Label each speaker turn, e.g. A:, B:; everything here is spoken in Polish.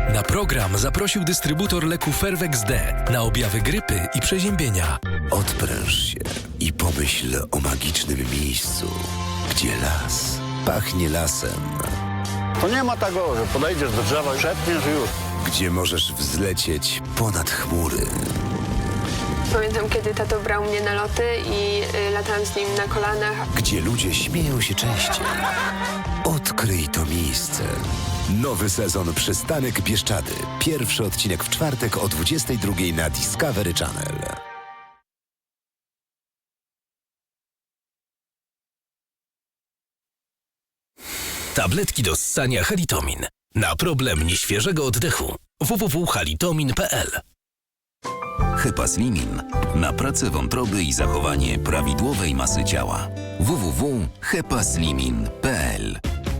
A: Na program zaprosił dystrybutor leku Fervex D na objawy grypy i przeziębienia.
B: Odpręż się i pomyśl o magicznym miejscu, gdzie las pachnie lasem.
C: To nie ma tego, że podejdziesz do drzewa i szepniesz i już.
B: Gdzie możesz wzlecieć ponad chmury.
D: Pamiętam, kiedy tato brał mnie na loty i latałam z nim na kolanach.
B: Gdzie ludzie śmieją się częściej. Odkryj to miejsce. Nowy sezon Przystanek Bieszczady. Pierwszy odcinek w czwartek o 22 na Discovery Channel.
A: Tabletki do ssania Halitomin. Na problem nieświeżego oddechu. www.halitomin.pl.
E: Hepaslimin na pracę wątroby i zachowanie prawidłowej masy ciała. www.hepaslimin.pl